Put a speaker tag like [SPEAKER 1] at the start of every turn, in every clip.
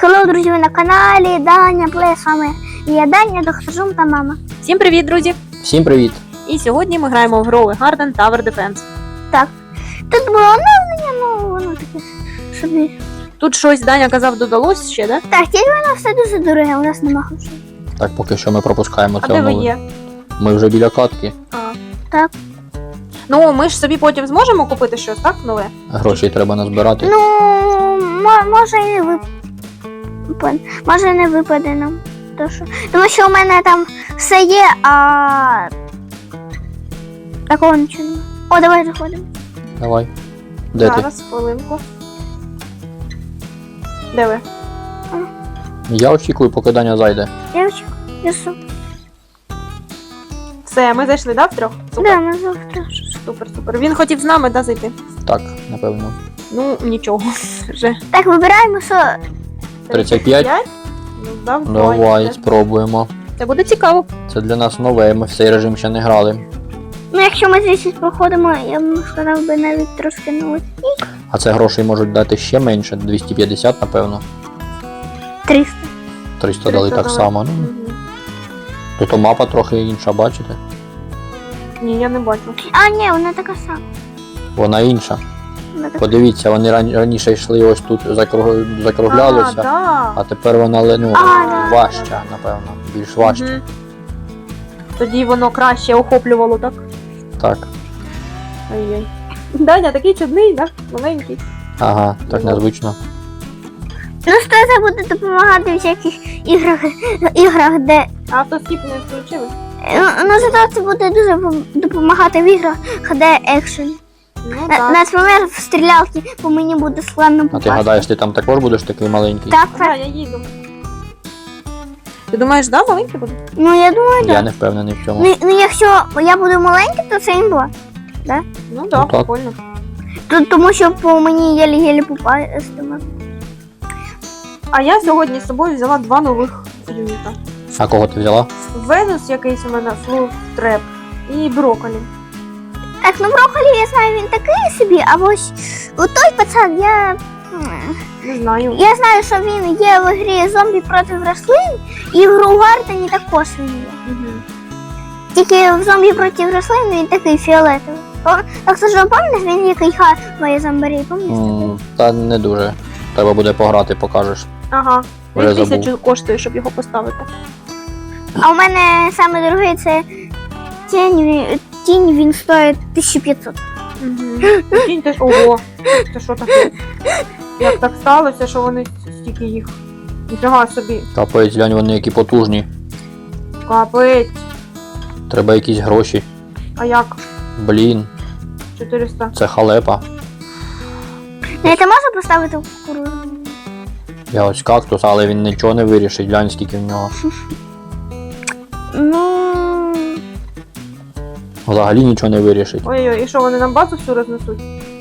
[SPEAKER 1] Хеллоу, друзі, ви на каналі Даня Плей, з вами я Даня, доктор Жум та мама.
[SPEAKER 2] Всім привіт, друзі!
[SPEAKER 3] Всім привіт!
[SPEAKER 2] І сьогодні ми граємо в Growing Garden Tower Defense.
[SPEAKER 1] Так, тут було оновлення, ну воно таке собі.
[SPEAKER 2] Тут щось Даня казав додалось ще, да?
[SPEAKER 1] Так, тільки воно все дуже дороге, у нас нема грошей.
[SPEAKER 3] Так, поки що ми пропускаємо
[SPEAKER 2] А
[SPEAKER 3] це
[SPEAKER 2] де ви
[SPEAKER 3] оновлення.
[SPEAKER 2] є?
[SPEAKER 3] Ми вже біля катки.
[SPEAKER 2] А.
[SPEAKER 1] Так.
[SPEAKER 2] Ну, ми ж собі потім зможемо купити щось, так, нове?
[SPEAKER 3] Грошей треба назбирати.
[SPEAKER 1] Ну, може і не випаде. Може і не випаде нам. Тому що у мене там все є, а такого нічого немає. О, давай заходимо.
[SPEAKER 3] Давай. Де ти?
[SPEAKER 2] Зараз, хвилинку. Де ви?
[SPEAKER 3] Я очікую, поки Даня зайде.
[SPEAKER 1] Я очікую. Ясу.
[SPEAKER 2] Все, ми зайшли, да, втрьох?
[SPEAKER 1] Да, ми завтра.
[SPEAKER 2] Супер. Він хотів з нами, да, зайти?
[SPEAKER 3] Так, напевно.
[SPEAKER 2] Ну, нічого. Вже.
[SPEAKER 1] Так, вибираємо, що
[SPEAKER 3] 35?
[SPEAKER 2] Ну, давай.
[SPEAKER 3] Давай, спробуємо.
[SPEAKER 2] Це буде цікаво.
[SPEAKER 3] Це для нас нове, ми в цей режим ще не грали.
[SPEAKER 1] ну, якщо ми звідси проходимо, я б сказав би навіть трошки новий.
[SPEAKER 3] А це грошей можуть дати ще менше, 250, напевно.
[SPEAKER 1] 300.
[SPEAKER 3] 300 дали так
[SPEAKER 2] дали.
[SPEAKER 3] само. Ну,
[SPEAKER 2] Мгм.
[SPEAKER 3] тут мапа трохи інша, бачите?
[SPEAKER 2] Ні, я не бачу.
[SPEAKER 1] А, ні, вона така сама.
[SPEAKER 3] Вона інша.
[SPEAKER 1] Вона така...
[SPEAKER 3] Подивіться, вони раніше йшли ось тут, закруглялися.
[SPEAKER 2] А, да.
[SPEAKER 3] А тепер вона ну,
[SPEAKER 1] да.
[SPEAKER 3] важча, напевно. Більш важча.
[SPEAKER 2] Мгм. Тоді воно краще охоплювало, так?
[SPEAKER 3] Так.
[SPEAKER 2] Ай-яй. Даня такий чудний, так? Маленький.
[SPEAKER 3] Ага, так незвично.
[SPEAKER 1] Ну, що це буде допомагати в всяких іграх, де...
[SPEAKER 2] А автоскіп не включили?
[SPEAKER 1] Ну, зато це буде дуже допомагати в іграх, де екшен.
[SPEAKER 2] Ну так.
[SPEAKER 1] Наприклад, в стрілялки по мені буде складно
[SPEAKER 3] А ти
[SPEAKER 1] попасти.
[SPEAKER 3] гадаєш, ти там також будеш такий маленький?
[SPEAKER 1] Так,
[SPEAKER 2] Да,
[SPEAKER 1] так.
[SPEAKER 2] я їду. Ти думаєш, да, маленький буде?
[SPEAKER 1] Ну, я думаю,
[SPEAKER 3] Я
[SPEAKER 1] так.
[SPEAKER 3] не впевнений в цьому.
[SPEAKER 1] Ну, якщо я буду маленький, то це імба.
[SPEAKER 2] Ну да,
[SPEAKER 3] так.
[SPEAKER 2] прикольно.
[SPEAKER 1] Тому що по мені єлі-єлі попастиме.
[SPEAKER 2] А я сьогодні з собою взяла 2 нових юніта.
[SPEAKER 3] А кого ти взяла?
[SPEAKER 2] Венус якийсь у мене, Флуф Треп і Брокколі.
[SPEAKER 1] Так, ну брокколі, я знаю, він такий собі, а ось у той пацан,
[SPEAKER 2] Не знаю.
[SPEAKER 1] я знаю, що він є в грі зомбі проти рослин, і в Growing Garden також він є.
[SPEAKER 2] Мгм.
[SPEAKER 1] Тільки в зомбі проти рослин він такий фіолетовий. Так що ж, пам'ятаєш, він який хаває зомбарі, пам'ятаєш?
[SPEAKER 3] Та не дуже. Треба буде пограти, покажеш.
[SPEAKER 2] Ага.
[SPEAKER 3] Вже
[SPEAKER 2] Він
[SPEAKER 3] забув.
[SPEAKER 2] 1000 коштує, щоб його поставити.
[SPEAKER 1] А у мене саме дорогий це тінь, він стоїть 1500.
[SPEAKER 2] Кінь теж. Ого. Це що таке? Як так сталося, що вони стільки їх? Ніфіга собі.
[SPEAKER 3] Капець, глянь, вони які потужні.
[SPEAKER 2] Капець.
[SPEAKER 3] Треба якісь гроші.
[SPEAKER 2] А як?
[SPEAKER 3] Блін,
[SPEAKER 2] 400.
[SPEAKER 3] це халепа.
[SPEAKER 1] Не, ти можеш поставити в кукурудзу?
[SPEAKER 3] Я ось кактус, але він нічого не вирішить. Глянь, скільки в нього.
[SPEAKER 1] Ну...
[SPEAKER 3] Взагалі нічого не вирішить.
[SPEAKER 2] Ой-ой, і що, вони нам базу всю рознесуть?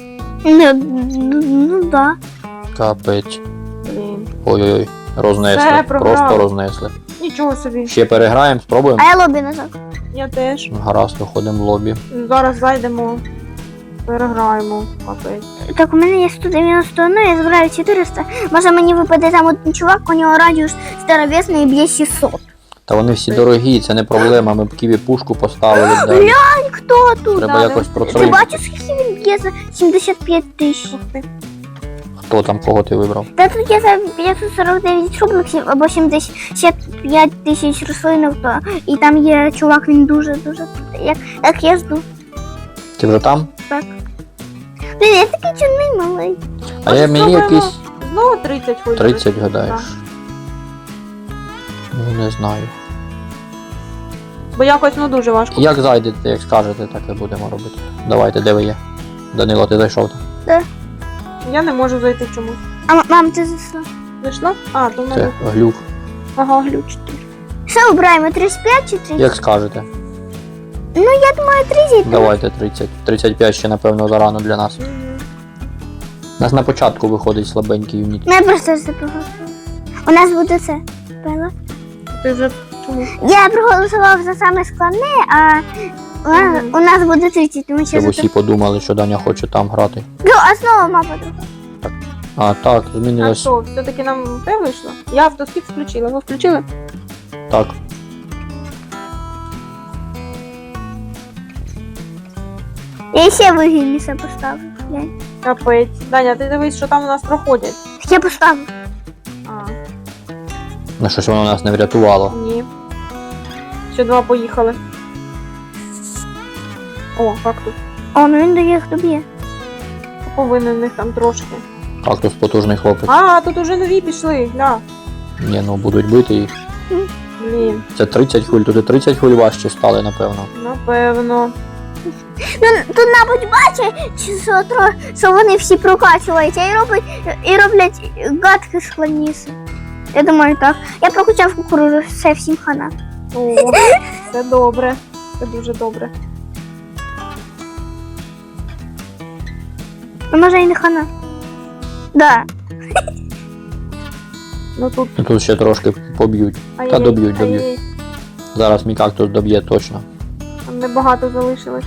[SPEAKER 1] Ну да.
[SPEAKER 3] Капець.
[SPEAKER 2] Блін.
[SPEAKER 3] Ой-ой-ой. Рознесли.
[SPEAKER 2] Все, програли.
[SPEAKER 3] Просто рознесли.
[SPEAKER 2] Нічого собі.
[SPEAKER 3] Ще переграємо, спробуємо?
[SPEAKER 1] А я лобі назад.
[SPEAKER 2] Я теж.
[SPEAKER 3] Гаразд, виходимо в лобі.
[SPEAKER 2] Зараз зайдемо. Переграємо. Капець.
[SPEAKER 1] Так, у мене є 191, я збираю 400. Може мені випаде там один чувак, у нього радіус здоровезний і б'є 600.
[SPEAKER 3] Та вони всі дорогі, це не проблема. Ми б Ківі пушку поставили. Далі.
[SPEAKER 1] Глянь, хто тут?
[SPEAKER 3] Треба
[SPEAKER 2] да,
[SPEAKER 3] якось
[SPEAKER 1] Ти
[SPEAKER 3] процелити.
[SPEAKER 1] бачиш, скільки він б'є за 75 тисяч?
[SPEAKER 2] Ух ти.
[SPEAKER 3] Хто там, кого ти вибрав?
[SPEAKER 1] Та тут є за 549 рубликів або 75 тисяч рослинок, то і там є чувак, він дуже-дуже. Як я жду.
[SPEAKER 3] Ти вже там?
[SPEAKER 1] Так. Блін, я такий чорний малий.
[SPEAKER 3] А я мені
[SPEAKER 2] Спробуємо.
[SPEAKER 3] якийсь
[SPEAKER 2] Знову 30 ходить.
[SPEAKER 3] 30 гадаєш. Ну не знаю.
[SPEAKER 2] Бо якось ну дуже важко.
[SPEAKER 3] Як зайдете, як скажете, так і будемо робити. Давайте, де ви є? Данило, ти зайшов там?
[SPEAKER 2] Я не можу зайти чомусь.
[SPEAKER 1] А мам, ти зайшла?
[SPEAKER 2] Зайшла? А, то в
[SPEAKER 3] Це
[SPEAKER 2] мене.
[SPEAKER 3] глюк.
[SPEAKER 2] Ага, глюч.
[SPEAKER 1] Що обираємо, 35 чи 30?
[SPEAKER 3] Як скажете?
[SPEAKER 1] Ну, я думаю, 30.
[SPEAKER 3] Давайте 30. 35 ще, напевно, зарано для нас.
[SPEAKER 2] Мгм.
[SPEAKER 3] У нас на початку виходить слабенький юніт.
[SPEAKER 1] Ну, я просто все проголосувала. У нас буде це. Пела.
[SPEAKER 2] Ти вже чому?
[SPEAKER 1] Я проголосував за саме складне, а у нас буде 30, тому що
[SPEAKER 3] Щоб
[SPEAKER 1] за
[SPEAKER 3] усі подумали, що Даня хоче там грати.
[SPEAKER 1] Ну, а знову мапа друга.
[SPEAKER 3] А, так,
[SPEAKER 2] А
[SPEAKER 3] змінилось.
[SPEAKER 2] що, все-таки нам те вийшло? Я автоскіп включила. Ви включили?
[SPEAKER 3] Так.
[SPEAKER 1] Я ще вигідніше поставлю. Глянь.
[SPEAKER 2] Капець. Даня, ти дивись, що там у нас проходять.
[SPEAKER 1] Я поставлю.
[SPEAKER 2] А,
[SPEAKER 3] Ну щось воно нас не врятувало.
[SPEAKER 2] ні. Ще 2 поїхали. О, кактус.
[SPEAKER 1] О, ну він до їх доб'є.
[SPEAKER 2] Повинен в них там трошки.
[SPEAKER 3] Кактус потужний хлопець.
[SPEAKER 2] А, тут уже нові пішли, гля.
[SPEAKER 3] Ні, ну будуть бити їх.
[SPEAKER 2] Блін,
[SPEAKER 3] Це 30 хвиль, тут і 30 хвиль важче стали, напевно.
[SPEAKER 2] напевно.
[SPEAKER 1] Ну, тут, мабуть, бачить, що вони всі прокачуються і роблять гадки складніше. Я думаю, так. Я прокачав кукурудзу, все всім хана.
[SPEAKER 2] О, це добре. Це дуже добре.
[SPEAKER 1] Ну, може і не хана. Да.
[SPEAKER 2] Ну тут.
[SPEAKER 3] Ну, тут ще трошки поб'ють.
[SPEAKER 2] Ай-яй,
[SPEAKER 3] доб'ють, доб'ють.
[SPEAKER 2] ай-яй.
[SPEAKER 3] Зараз мій кактус доб'є точно.
[SPEAKER 2] Там небагато залишилось.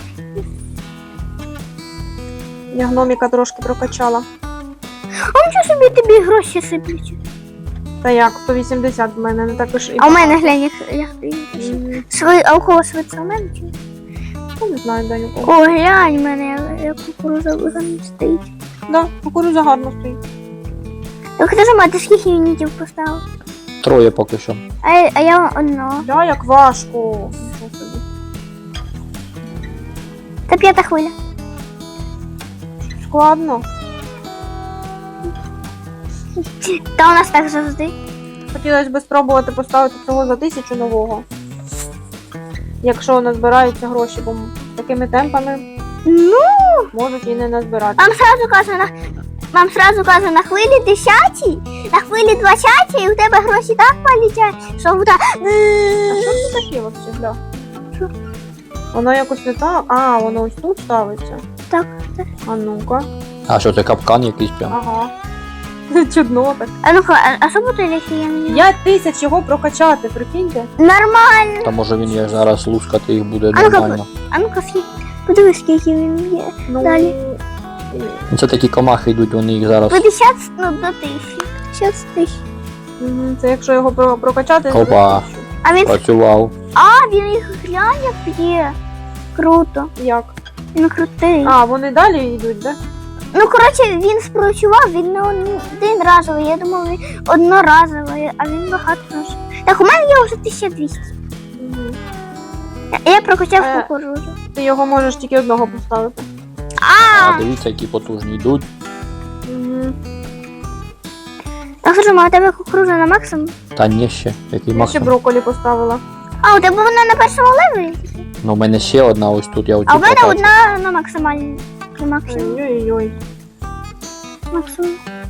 [SPEAKER 2] Я гноміка трошки прокачала.
[SPEAKER 1] А нічого собі тобі гроші сиплють.
[SPEAKER 2] Та як, 180 в мене, не також і
[SPEAKER 1] А у мене
[SPEAKER 2] багато.
[SPEAKER 1] глянь, як ти.
[SPEAKER 2] М,
[SPEAKER 1] А у кого швидше у мене чи? ні?
[SPEAKER 2] Я не знаю, Даню.
[SPEAKER 1] О, глянь, в мене як кукуруза вигано стоїть.
[SPEAKER 2] Да, кукурудза гарно стоїть.
[SPEAKER 1] Так ти ж мати скільки юнітів поставив?
[SPEAKER 3] 3 поки що.
[SPEAKER 1] А я одного.
[SPEAKER 2] Да, як важко. Нічого собі.
[SPEAKER 1] Це 5-та хвиля.
[SPEAKER 2] Складно.
[SPEAKER 1] Та у нас так завжди.
[SPEAKER 2] Хотілося б спробувати поставити цього за 1000 нового. Якщо назбираються гроші, бо такими темпами
[SPEAKER 1] Ну,
[SPEAKER 2] можуть і не назбирати.
[SPEAKER 1] вам сразу кажу, на хвилі 10-й, на хвилі 20-й, і у тебе гроші так полетять, що буде...
[SPEAKER 2] А що це таке взагалі, гля?
[SPEAKER 1] Що?
[SPEAKER 2] Воно якось не так. А, воно ось тут ставиться.
[SPEAKER 1] Так, так.
[SPEAKER 2] А ну-ка.
[SPEAKER 3] А що це капкан якийсь прям?
[SPEAKER 2] Ага. Чудно так.
[SPEAKER 1] А ну-ка, а що буде, якщо я не...
[SPEAKER 2] 5000 його прокачати, прикиньте.
[SPEAKER 1] Нормально.
[SPEAKER 3] Та може він як зараз лускати їх буде
[SPEAKER 1] А ну-ка,
[SPEAKER 3] нормально.
[SPEAKER 1] А ну-ка, подивись, скільки він є.
[SPEAKER 2] Ну,
[SPEAKER 1] Далі.
[SPEAKER 3] Ну, це такі комахи йдуть, вони їх зараз.
[SPEAKER 1] 50 до 1000. 50 тисяч.
[SPEAKER 2] Це якщо його прокачати, то
[SPEAKER 3] Опа.
[SPEAKER 2] 1000.
[SPEAKER 1] А він...
[SPEAKER 3] Працював.
[SPEAKER 1] А, він їх глянь, як п'є. Круто.
[SPEAKER 2] Як?
[SPEAKER 1] Він крутий.
[SPEAKER 2] А, вони далі йдуть, да?
[SPEAKER 1] Ну, коротше, він спрацював, він не один разовий. Я думав, він одноразовий, а він багато разів. Так, у мене є вже 1200.
[SPEAKER 2] Мгм.
[SPEAKER 1] Я прокачав
[SPEAKER 2] Е.
[SPEAKER 1] кукурудзу.
[SPEAKER 2] Ти його можеш тільки одного поставити.
[SPEAKER 3] А дивіться, які потужні йдуть.
[SPEAKER 2] Угу.
[SPEAKER 1] Так, скажімо, а у тебе кукурудза на максимум?
[SPEAKER 3] Та ні ще, який
[SPEAKER 2] Я ще
[SPEAKER 3] максимум.
[SPEAKER 2] брокколі поставила.
[SPEAKER 1] А, у тебе вона на першому левелі?
[SPEAKER 3] Ну, у мене ще одна ось тут, я оцю
[SPEAKER 1] А у мене
[SPEAKER 3] прокачу.
[SPEAKER 1] одна на максимальній. На максимум.
[SPEAKER 2] Ой-ой-ой.
[SPEAKER 1] Максимум.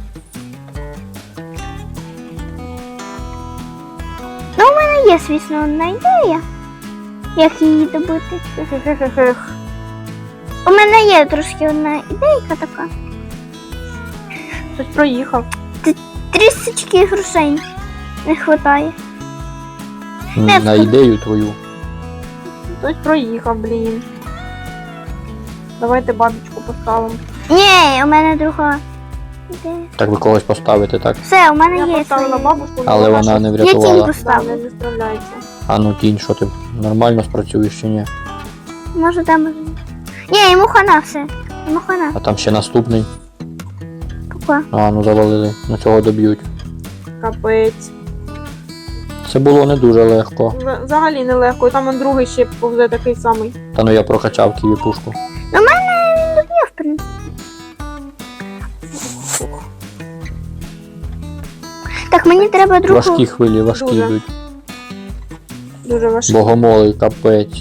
[SPEAKER 1] Ну, у мене є, звісно, одна ідея. Як її добити.
[SPEAKER 2] Хе-хе-хе-хех.
[SPEAKER 1] У мене є трошки одна ідейка така.
[SPEAKER 2] Хтось проїхав.
[SPEAKER 1] Трісочки грошей не вистачає.
[SPEAKER 3] На ідею твою.
[SPEAKER 2] Хтось проїхав, блін. Давайте бабочку поставимо.
[SPEAKER 1] Ні, у мене друга ідея.
[SPEAKER 3] Так ви когось поставите, так?
[SPEAKER 1] Все, у мене
[SPEAKER 2] Я
[SPEAKER 1] є
[SPEAKER 2] поставила
[SPEAKER 1] своя.
[SPEAKER 2] бабушку,
[SPEAKER 3] Але вона не
[SPEAKER 1] Я тінь
[SPEAKER 3] врятувала.
[SPEAKER 2] Да,
[SPEAKER 1] поставила.
[SPEAKER 2] не справляється.
[SPEAKER 3] А ну тінь, що ти нормально спрацюєш чи ні?
[SPEAKER 1] Може там, може ні. Ні, йому хана все. Йому хана.
[SPEAKER 3] А там ще наступний.
[SPEAKER 1] Пока.
[SPEAKER 3] А, ну завалили. На цього доб'ють.
[SPEAKER 2] Капець.
[SPEAKER 3] Це було не дуже легко.
[SPEAKER 2] Взагалі нелегко. І там он другий ще повзе такий самий.
[SPEAKER 3] Та ну я прокачав ківі пушку.
[SPEAKER 1] У мене він доб'є, в принципі. Так, мені треба другу.
[SPEAKER 3] Важкі хвилі, важкі
[SPEAKER 2] Дуже.
[SPEAKER 3] йдуть.
[SPEAKER 2] Дуже важкий.
[SPEAKER 3] Богомолий, капець.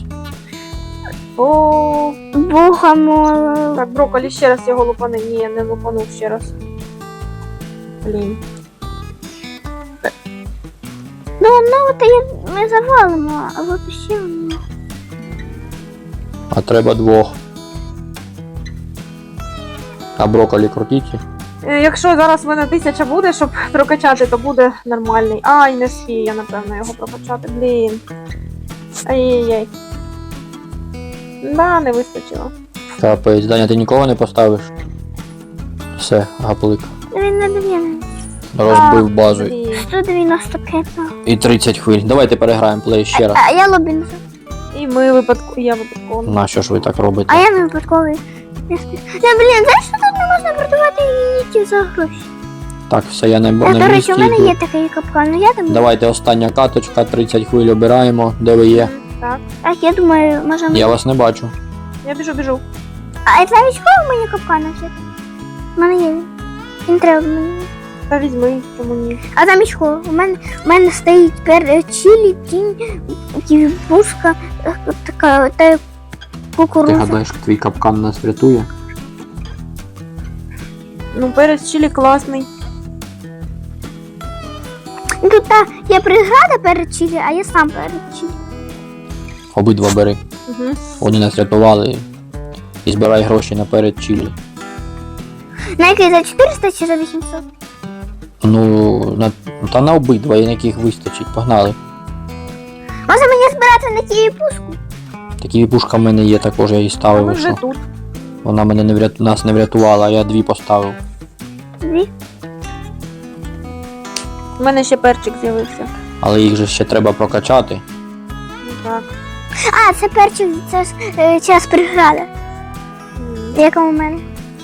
[SPEAKER 2] О,
[SPEAKER 1] Богомолов.
[SPEAKER 2] так, брокколі ще раз його лупани. Ні, не лупанув ще раз. Блін.
[SPEAKER 1] Ну, одного то ми завалимо, а от ще одного.
[SPEAKER 3] А треба 2. А брокколі крутіть.
[SPEAKER 2] Якщо зараз в мене 1000 буде, щоб прокачати, то буде нормальний. Ай, не спію я, напевно, його прокачати. Блін. Ай-яй-яй. Да, не вистачило.
[SPEAKER 3] Капець, Даня, ти нікого не поставиш? Все, гаплик.
[SPEAKER 1] Він не довільний.
[SPEAKER 3] Розбив базу.
[SPEAKER 2] Блін.
[SPEAKER 1] 195.
[SPEAKER 3] І 30 хвиль. Давайте переграємо плей ще раз.
[SPEAKER 1] А я Лобінзон.
[SPEAKER 2] І ми випадково. Я випадково.
[SPEAKER 3] На що ж ви так робите?
[SPEAKER 1] А я не випадковий. Блін, знаєш, що тут не можна продавати юнітів за гроші?
[SPEAKER 3] Так, все, я не
[SPEAKER 1] До
[SPEAKER 3] на
[SPEAKER 1] речі,
[SPEAKER 3] місці.
[SPEAKER 1] у мене
[SPEAKER 3] йду.
[SPEAKER 1] є такий капкан, ну я думаю.
[SPEAKER 3] Давайте остання каточка, 30 хвиль обираємо. Де ви є?
[SPEAKER 2] Так.
[SPEAKER 1] Так, я думаю, можемо.
[SPEAKER 3] Я вас не бачу.
[SPEAKER 2] Я біжу.
[SPEAKER 1] А це військовий мені капкана взяти? У мене є він. Він треба мені.
[SPEAKER 2] Та візьми, чому ні.
[SPEAKER 1] А там військовий. У мене стоїть чилі, тінь, ківбушка, така та
[SPEAKER 3] Ти
[SPEAKER 1] кукурудза.
[SPEAKER 3] гадаєш, твій капкан нас врятує?
[SPEAKER 2] Ну, перець чилі класний.
[SPEAKER 1] Ну, тут є преграда перед чилі, а я сам перед чилі.
[SPEAKER 3] Обидва бери.
[SPEAKER 2] Угу.
[SPEAKER 3] Вони нас рятували. І збирай гроші наперед чилі.
[SPEAKER 1] На який, за 400 чи за 800?
[SPEAKER 3] Ну, та на обидва, і на яких вистачить. Погнали.
[SPEAKER 1] Може мені збирати на тієї пушку?
[SPEAKER 3] Такі пушка в мене є також, я її
[SPEAKER 2] А
[SPEAKER 3] ставив.
[SPEAKER 2] ми
[SPEAKER 3] і
[SPEAKER 2] вже
[SPEAKER 3] що?
[SPEAKER 2] тут.
[SPEAKER 3] Вона мене нас не врятувала, а я 2 поставив.
[SPEAKER 1] Дві.
[SPEAKER 2] У мене ще перчик з'явився.
[SPEAKER 3] Але їх же ще треба прокачати.
[SPEAKER 2] Ну так.
[SPEAKER 1] А, це перчик, це ж час преграда, яка у мене.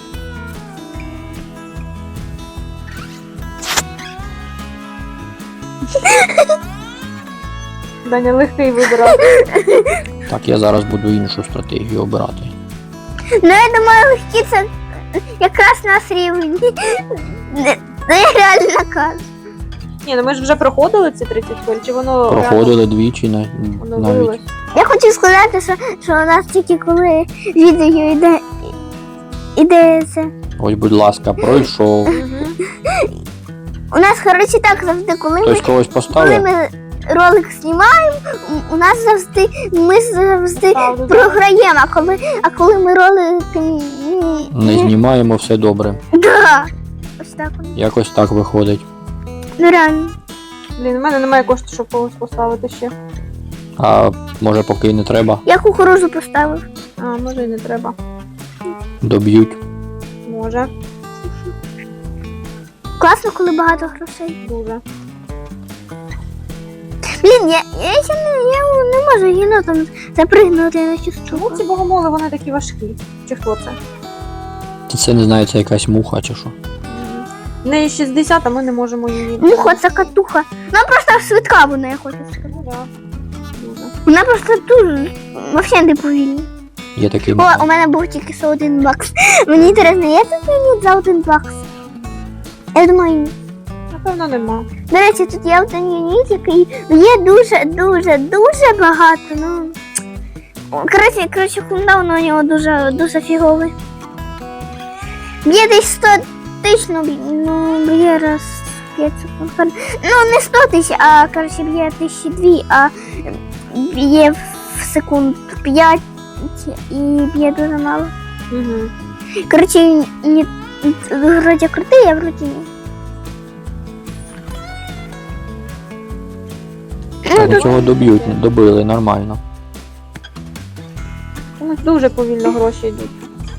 [SPEAKER 2] Даня легкий вибирав.
[SPEAKER 3] Так, я зараз буду іншу стратегію обирати.
[SPEAKER 1] Ну, я думаю, легкі це якраз нас рівень. Ну, я реально кажу.
[SPEAKER 2] Ні, ну ми ж вже проходили ці 30 хвиль, чи воно
[SPEAKER 3] Проходили двічі
[SPEAKER 2] воно
[SPEAKER 3] навіть.
[SPEAKER 2] вилилось?
[SPEAKER 1] Я хочу сказати, що у нас тільки коли відео іде це.
[SPEAKER 3] Ось, будь ласка, пройшов.
[SPEAKER 2] Угу.
[SPEAKER 1] У нас, коротше, так завжди, коли
[SPEAKER 3] Хтось когось
[SPEAKER 1] коли
[SPEAKER 3] поставив?
[SPEAKER 1] ми ролик знімаємо, у нас завжди, ми завжди
[SPEAKER 2] Правда,
[SPEAKER 1] програємо, а коли ми ролик
[SPEAKER 3] Не знімаємо, все добре.
[SPEAKER 1] Да. Ось так воно.
[SPEAKER 3] Якось так виходить.
[SPEAKER 1] Ну реально.
[SPEAKER 2] Блін, у мене немає коштів, щоб когось поставити ще.
[SPEAKER 3] А може поки й не треба,
[SPEAKER 1] Я кукурузу поставив.
[SPEAKER 2] А, може і не треба.
[SPEAKER 3] доб'ють.
[SPEAKER 2] Може.
[SPEAKER 1] Класно, коли багато грошей.
[SPEAKER 2] Дуже.
[SPEAKER 1] Блін, я ще не можу єнотом запригнути на цю
[SPEAKER 2] Чому
[SPEAKER 1] штуку.
[SPEAKER 2] ці богомоли, вони такі важкі? Чи хто це?
[SPEAKER 3] Це не знаю, це якась муха чи що.
[SPEAKER 2] В неї 60, а ми не можемо її.
[SPEAKER 1] Муха, це катуха. Вона просто швидка, вона, я хочу сказати.
[SPEAKER 2] Ну, да. Дуже.
[SPEAKER 1] Вона просто дуже, взагалі не повільна.
[SPEAKER 3] Є такий
[SPEAKER 1] О, у мене був тільки що 1 бакс. Мені інтересно, є тут юніт за 1 бакс? Я думаю, ні.
[SPEAKER 2] Напевно, нема.
[SPEAKER 1] До речі, тут є один юніт, який є дуже багато. Ну, коротше, кулдаун у нього дуже фіговий. Б'є десь 100 тисяч, ну б'є раз 5 секунд. Ну, не 100 тисяч, а коротше б'є 1002, а б'є в секунд 5 і б'є дуже мало.
[SPEAKER 2] Угу.
[SPEAKER 1] Коротше, він вроді крутий, а вроді ні.
[SPEAKER 3] Та до цього добили нормально.
[SPEAKER 2] У нас дуже повільно гроші йдуть.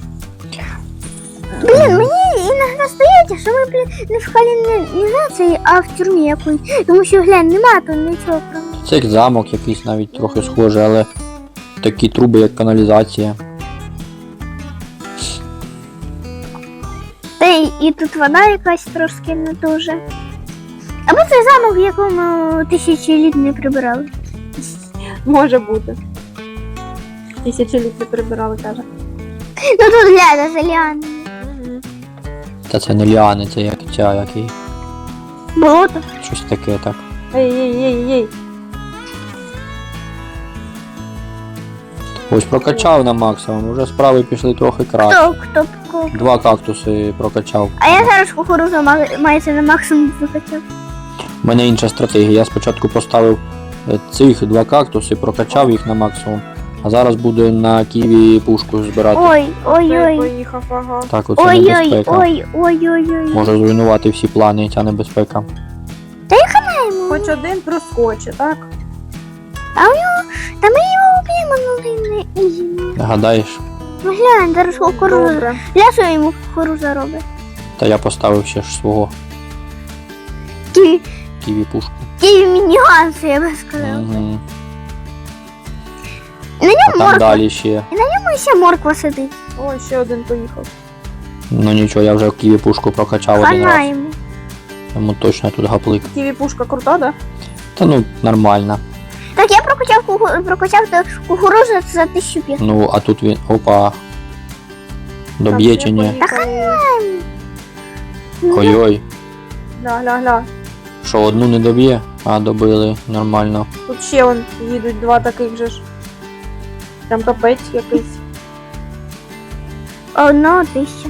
[SPEAKER 1] Блін, мені іноді здається, що ми, блін, не в каналізації, а в тюрмі якоїсь. Тому що, глянь, нема тут нічого про.
[SPEAKER 3] Це як замок якийсь навіть трохи схожий, але такі труби, як каналізація.
[SPEAKER 1] Та і тут вода якась трошки не дуже. Або це замок, в якому 1000 літ не прибирали.
[SPEAKER 2] Може бути. 1000 літ не прибирали, каже.
[SPEAKER 1] Ну тут глянь, за ліани.
[SPEAKER 2] Угу.
[SPEAKER 3] Та це не ліани, це як ця, який.
[SPEAKER 1] Болото.
[SPEAKER 3] Щось таке, так.
[SPEAKER 2] Ей.
[SPEAKER 3] Ось прокачав на максимум, вже справи пішли трохи краще.
[SPEAKER 1] Хто?
[SPEAKER 3] 2 кактуси прокачав.
[SPEAKER 1] А я зараз кукурузу мається на максимум викачав.
[SPEAKER 3] У мене інша стратегія. Я спочатку поставив цих 2 кактуси, прокачав їх на максимум, а зараз буду на ківі пушку збирати.
[SPEAKER 1] Ой.
[SPEAKER 2] Поїхав, ага.
[SPEAKER 3] Так, оце небезпека.
[SPEAKER 1] Ой.
[SPEAKER 3] Може зруйнувати всі плани, ця небезпека.
[SPEAKER 2] Хоч один проскоче, так?
[SPEAKER 1] Та ми його об'ємо, не ізі.
[SPEAKER 3] Гадаєш?
[SPEAKER 1] Ну глянь, зараз кукурузу.
[SPEAKER 2] Добре.
[SPEAKER 1] Для що йому кукуруза робить?
[SPEAKER 3] Та я поставив ще ж свого ківі пушку.
[SPEAKER 1] Ківі мініганси, я би сказала.
[SPEAKER 3] Угу.
[SPEAKER 1] На ньому
[SPEAKER 3] А там
[SPEAKER 1] морква.
[SPEAKER 3] далі ще.
[SPEAKER 1] Ну, ще морква сидить.
[SPEAKER 2] Ой, ще один поїхав.
[SPEAKER 3] Ну нічого, я вже ківі пушку прокачав один
[SPEAKER 1] Хана
[SPEAKER 3] раз.
[SPEAKER 1] йому.
[SPEAKER 3] Йому точно тут гаплик.
[SPEAKER 2] Ківі пушка крута, да?
[SPEAKER 3] Та ну, нормально.
[SPEAKER 1] Так, я прокачав кукурузу за 1500.
[SPEAKER 3] Ну, а тут він. Опа. Доб'є чи ні? Ой-ой.
[SPEAKER 2] Гля.
[SPEAKER 3] Що, одну не доб'є? А, добили, нормально.
[SPEAKER 2] Тут ще вон їдуть два таких же ж. Там капець якийсь.
[SPEAKER 1] Одного 1000.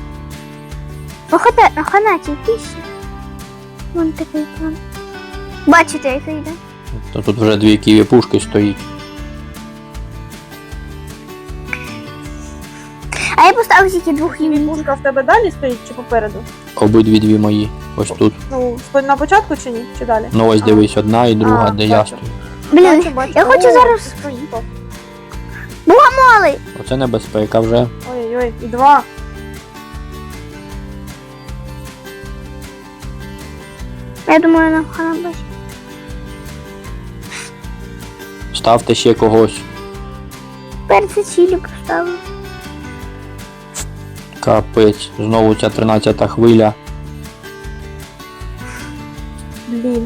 [SPEAKER 1] Ханаті 1000. Вон такий план. Бачите, який йде?
[SPEAKER 3] То тут вже дві ківі пушки стоїть.
[SPEAKER 1] А я поставив тільки двох
[SPEAKER 2] Ківі
[SPEAKER 1] юнітів.
[SPEAKER 2] пушка в тебе далі стоїть чи попереду?
[SPEAKER 3] Обидві дві мої. Ось тут.
[SPEAKER 2] Ну, на початку чи ні? Чи далі?
[SPEAKER 3] Ну ось
[SPEAKER 2] А.
[SPEAKER 3] дивись, одна і друга,
[SPEAKER 2] А,
[SPEAKER 3] де я
[SPEAKER 2] бачу.
[SPEAKER 3] стою.
[SPEAKER 1] Блін,
[SPEAKER 2] Бачу.
[SPEAKER 1] я хочу
[SPEAKER 2] О,
[SPEAKER 1] зараз-
[SPEAKER 2] ти проїхав.
[SPEAKER 1] малий.
[SPEAKER 3] Оце небезпека вже.
[SPEAKER 2] Ой-ой, і два.
[SPEAKER 1] Я думаю, нам хана бачить.
[SPEAKER 3] Ставте ще когось.
[SPEAKER 1] Перце чилі поставив.
[SPEAKER 3] Капець. Знову ця 13-та хвиля.
[SPEAKER 2] Блін.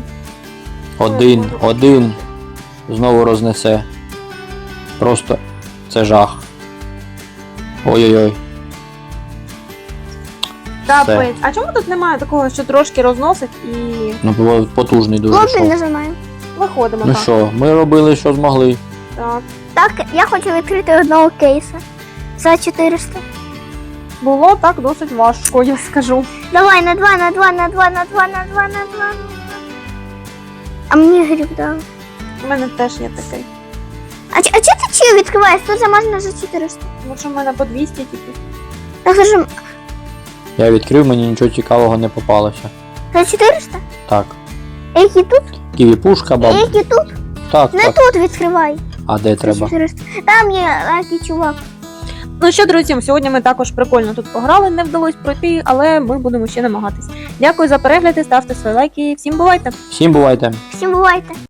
[SPEAKER 3] Один. Знову рознесе. Просто це жах. Ой-ой-ой.
[SPEAKER 2] Капець. А чому тут немає такого, що трошки розносить і
[SPEAKER 3] Ну, було потужний дуже
[SPEAKER 1] Хлопці,
[SPEAKER 3] шов.
[SPEAKER 1] нажимаю.
[SPEAKER 2] виходимо
[SPEAKER 3] Ну
[SPEAKER 2] так?
[SPEAKER 3] що, ми робили, що змогли.
[SPEAKER 2] Так.
[SPEAKER 1] Так, я хочу відкрити одного кейса. За 400.
[SPEAKER 2] Було так досить важко, я скажу.
[SPEAKER 1] Давай, на 2, на 2, на 2, на 2, на 2, на 2. А мені гріб дав.
[SPEAKER 2] У мене теж є такий.
[SPEAKER 1] А чи ти чи відкриваєш? Тут замазано за 400.
[SPEAKER 2] Тому що в мене по 200 тільки.
[SPEAKER 1] Так, скажем,
[SPEAKER 3] Я відкрив, мені нічого цікавого не попалося.
[SPEAKER 1] за 400?
[SPEAKER 3] Так.
[SPEAKER 1] Які тут?
[SPEAKER 3] Ківі пушка, баб.
[SPEAKER 1] Які тут?
[SPEAKER 3] Так,
[SPEAKER 1] Не
[SPEAKER 3] так.
[SPEAKER 1] тут відкривай.
[SPEAKER 3] А де
[SPEAKER 1] За
[SPEAKER 3] треба?
[SPEAKER 1] 400. Там є лакий чувак.
[SPEAKER 2] Ну що, друзі, сьогодні ми також прикольно тут пограли, не вдалося пройти, але ми будемо ще намагатись. Дякую за перегляди, ставте свої лайки. Всім бувайте!
[SPEAKER 3] Всім бувайте!
[SPEAKER 1] Всім бувайте.